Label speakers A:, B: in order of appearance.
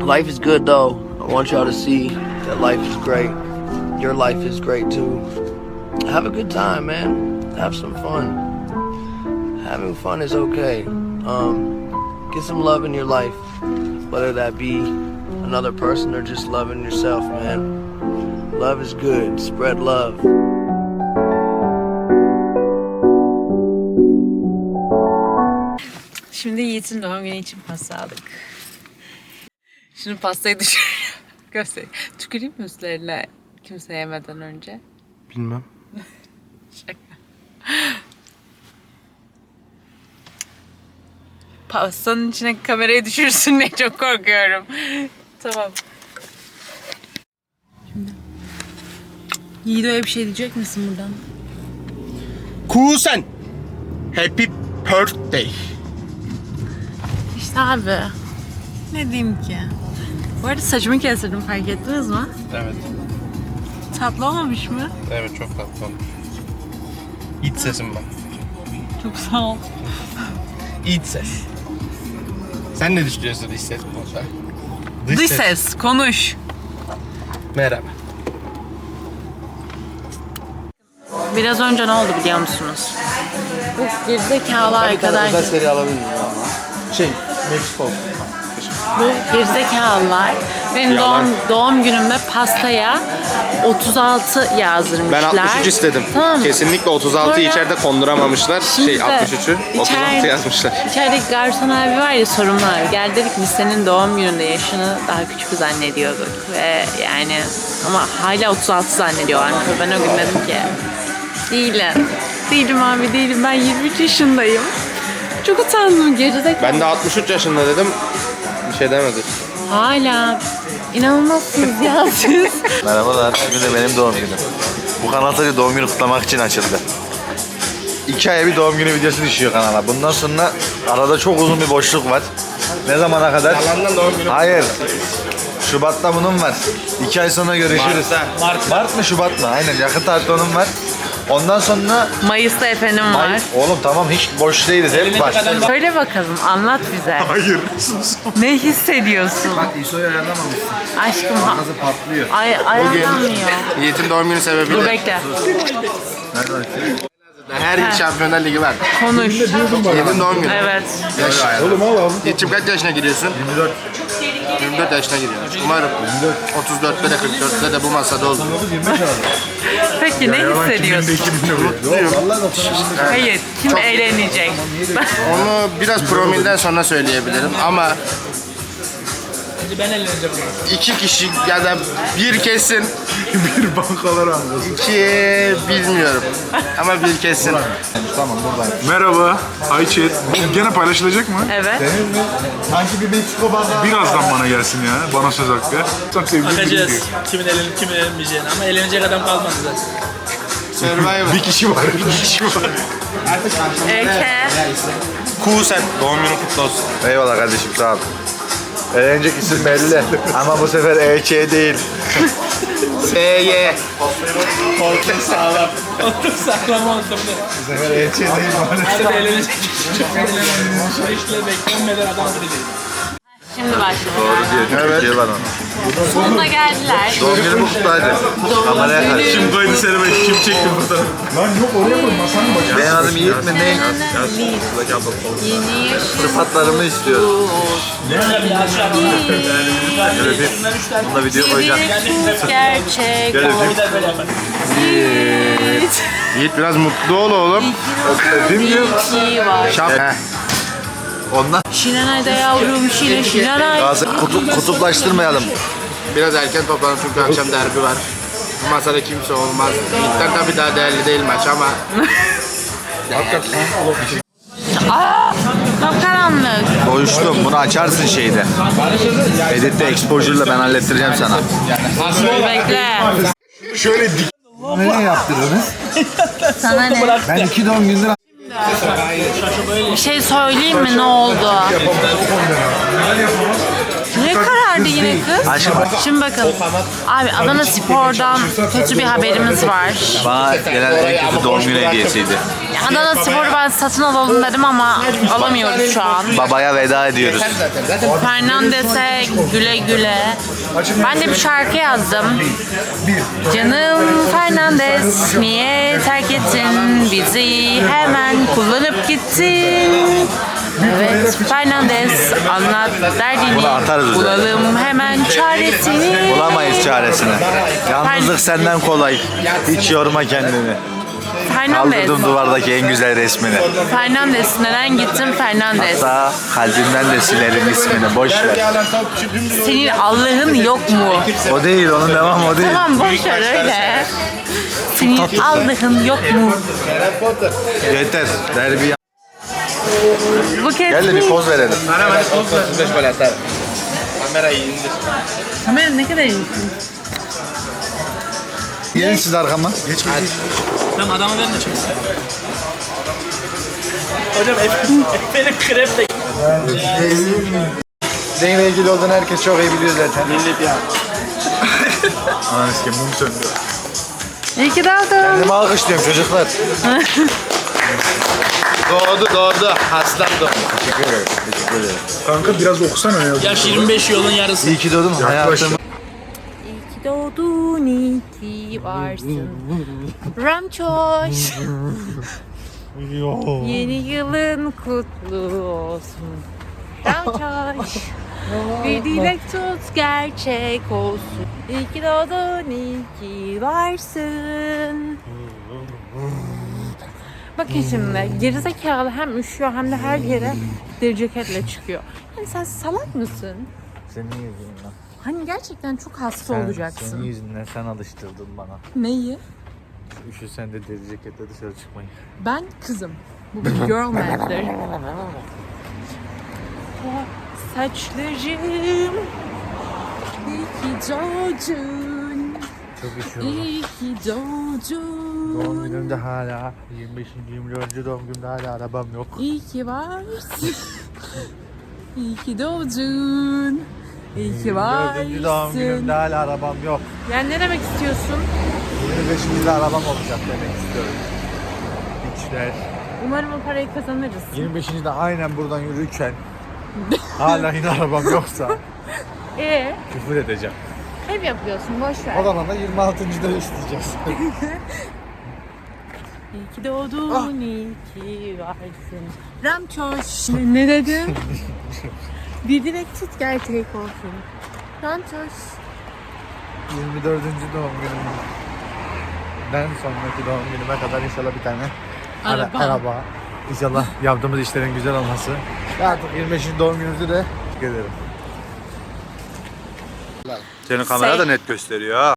A: Life is good though. I want y'all to see that life is great. Your life is great too. Have a good time, man. Have some fun. Having fun is okay. Get some love in your life, whether that be another person or just loving yourself, man. Love is good. Spread love.
B: Şimdi Yiğit'in doğum günü için pasta aldık. Şimdi pastayı göstereyim. Tüküreyim mi üstlerine kimse yemeden önce?
A: Bilmem.
B: Şaka. Pastanın içine kamerayı düşürsün diye çok korkuyorum. Tamam. Şimdi. Yiğit'e bir şey diyecek misin buradan?
C: Kusen. Happy birthday.
B: İşte abi. Ne diyeyim ki? Bu arada saçımı kestirdim, fark ettiniz mi?
C: Evet.
B: Tatlı olmamış mı?
C: Evet, çok tatlı olmuş. İç sesim bak.
B: Çok sağ ol.
C: İç ses. Sen ne düşünüyorsun iç ses konusunda?
B: Dış ses, konuş.
C: Merhaba.
B: Biraz önce ne oldu biliyor musunuz? Bu gerizekalı arkadaş...
A: seri alabilir miyim ama? Meksiko.
B: Bu gerizekalılar benim doğum günümde pastaya 36 yazdırmışlar.
C: Ben 63 istedim.
B: Tamam.
C: Kesinlikle 36'yı
B: Sonra-
C: içeride konduramamışlar.
B: Şimdi de
C: 63'ü 36 yazmışlar.
B: İçerideki garson abi var ya, sorumlu abi. Geldi dedik biz senin doğum gününde yaşını daha küçük zannediyorduk. Ve yani ama hala 36 zannediyorlarmış. Ben o gün dedim ki değilim. Değilim abi, değilim. Ben 23 yaşındayım. Çok utandım, gerizekalı.
C: Ben de 63 yaşında dedim. Bir şey demedi.
B: Hala inanılmazsınız ya siz.
D: Merhabalar, bugün de benim doğum günüm. Bu kanal sadece doğum günü kutlamak için açıldı. 2 aya bir doğum günü videosu düşüyor kanala. Bundan sonra arada çok uzun bir boşluk var. Ne zamana kadar?
C: Yalandan doğum günü.
D: Hayır. Şubat'ta bunun var. 2 ay sonra görüşürüz. Mart mı Şubat mı? Aynen, yakın tarihte onun var. Ondan sonra...
B: Mayıs'ta efendim var.
D: Oğlum tamam, hiç boş değiliz, hep var.
B: Söyle bakalım, anlat bize.
D: Hayır.
B: Ne hissediyorsun?
D: Bak İso'yu ayarlamamışsın.
B: Aşkım
D: Kazı patlıyor.
B: ayarlanmıyor.
C: Yiğit'in doğum günü
B: Dur
C: sebebiyle
B: bekle.
C: her yıl Şampiyonlar Ligi var.
B: Konuş.
C: Yiğit'in doğum günü.
B: Evet.
C: Yiğit'cim kaç yaşına giriyorsun?
D: 24.
C: 24 yaşına giriyorsun. Umarım 34'te de 44'te de bu masada olur.
B: Peki ne hissediyorsun? Hayır, kim eğlenecek?
C: Onu biraz promilden sonra söyleyebilirim ama iki kişi ya da bir kesin
D: Bir bankalar anlasın.
C: iki bilmiyorum ama bir kesin.
D: Tamam, buradayım.
E: Merhaba, hi chat. Bu gene paylaşılacak mı?
B: Evet.
D: Sanki bir Meksiko bankaları.
E: Birazdan bana gelsin ya, bana söz hakkı. Çok sevdiğim biri
F: Bakacağız
E: diyor.
F: kimin elenip kimin elenmeyeceğini ama elenecek adam kalmadı zaten.
C: Survivor.
E: Bir kişi var, bir kişi var.
B: Eke.
C: Kusen doğum günün kutlu olsun.
D: Eyvallah kardeşim, sağ ol. Eğlenecek isim belli ama bu sefer EÇ değil.
C: SY.
F: Koltuk sağlam. Koltuk sağlam oldu bu da.
D: Bu sefer EÇ değil.
F: Hadi elenecek. Çok elenmeyecek. Şu işle beklenmeden adam gidecek.
B: Şimdi başlıyor.
D: Diyor,
C: Evet.
D: Türkiye var ona.
B: Sonuna geldiler.
D: Doğum günü kutlu hadi. Kameraya karşı.
E: Kim koydu seni, kim çekti fotoğrafı? Lan yok, oraya koy, masanın başına.
D: Benim adım Yiğit mi ne?
B: Yeni yaşım.
D: Sıfatlarımı istiyor. Böyle bir, bunda video koyacağım.
B: Gerçek.
D: Böyle
B: Yiğit.
C: Yiğit biraz mutlu ol oğlum.
D: Öpeyim diyor.
B: İyi var.
C: Heh.
D: Ondan
B: Şinanay'da yavrum, Şinanay.
D: gazı kutuplaştırmayalım.
C: Biraz erken toplanın çünkü akşam derbi var. Bu masada kimse olmaz. Yiğit'ten tabii daha değerli değil maç ama
B: Kapkaranlık.
D: Doyuştum. Bunu açarsın şeyde. Editte exposure'la ben hallettireceğim sana.
B: Bekle.
E: Şöyle dik.
D: Ne yaptırdınız?
B: Sana ne?
D: Ben 2 doğum gündür
B: Bir şey söyleyeyim mi, ne oldu? Ne karar nerede yine kız?
D: Aşkım bak.
B: Şimdi bakın. Abi Adana Spor'dan kötü bir haberimiz var.
D: Bana gelen en kötü doğum günü hediyesiydi.
B: Adana Spor'u ben satın alalım dedim ama alamıyoruz şu an.
D: Babaya veda ediyoruz.
B: Fernandes'e güle güle. Ben de bir şarkı yazdım. Canım Fernandes, niye terk ettin bizi, hemen kullanıp gittin. Evet Fernandes, anlat derdini,
D: Bunu atarız üzerine.
B: bulalım hemen çaresini.
D: Bulamayız çaresini. Yalnızlık senden kolay. Hiç yorma kendini.
B: Fernandes,
D: Kaldırdım duvardaki en güzel resmini.
B: Fernandes, neden gittin Fernandes?
D: Hatta kalbimden de silerim ismini. Boş ver.
B: Senin Allah'ın yok mu?
D: O değil, onun devamı o değil.
B: Tamam boş ver öyle. Senin Allah'ın yok mu?
D: Yeter. Derbi.
B: Bu kez
D: Gel de bir poz verelim.
C: Ana ben poz böyle atar. Kamerayı indir.
B: Kamera ne kadar iyisin.
D: Gelin siz arkama.
F: Tamam adamı verin de çeksin. Hocam benim krep de
D: Seninle ilgili olduğunu herkes çok iyi biliyor zaten.
C: Millet ya.
D: Anasını sikeyim, mum söndü.
B: İyi ki doğdun.
D: Kendimi alkışlıyorum çocuklar.
C: Doğdu. Aslan doğdu.
D: Teşekkür ederim. Teşekkür ederim.
E: Kanka biraz okusana ya.
F: yaş 25 yolun yarısı.
D: İyi ki doğdum. Hayatım.
B: İyi ki doğdun, iyi ki varsın. Ramçoş. Yeni yılın kutlu olsun. Ramçoş. Bir dilek tut gerçek olsun. İyi ki doğdun, iyi ki varsın. Bakın şimdi gerizekalı hem üşüyor hem de her yere deri ceketle çıkıyor. Yani sen salak mısın?
D: Senin yüzünden.
B: Hani gerçekten çok hasta olacaksın.
D: Senin yüzünden sen alıştırdın bana.
B: Neyi?
D: Üşüsen de deri ceketle dışarı çıkmayı.
B: Ben kızım. Bu bir girl matter. Saçlarım iyi ki doğdun.
D: Çok üşüyorum.
B: İyi ki doğdun.
D: Doğum günümde hala 25. 24. doğum günümde hala arabam yok.
B: İyi ki varsın. İyi ki doğdun. İyi ki
D: 24. doğum günümde
B: varsın.
D: hala arabam yok.
B: Yani ne demek istiyorsun?
D: 25. arabam olacak demek istiyorum. İçler.
B: Umarım o parayı kazanırız.
D: 25. aynen buradan yürürken hala yine arabam yoksa küfür edeceğim.
B: Hep yapıyorsun, boş ver.
D: O zaman da 26.da isteyeceğiz.
B: İyi ki doğdun, iyi ki varsın. Ramçoş. Ne dedim? Bir dilek tut gerçek olsun. Ramçoş.
D: 24. doğum günümden sonraki doğum günüme kadar inşallah bir tane araba. İnşallah yaptığımız işlerin güzel olması. Ve artık 25. doğum günümüzü de teşekkür ederim. Senin kamera da net gösteriyor ha.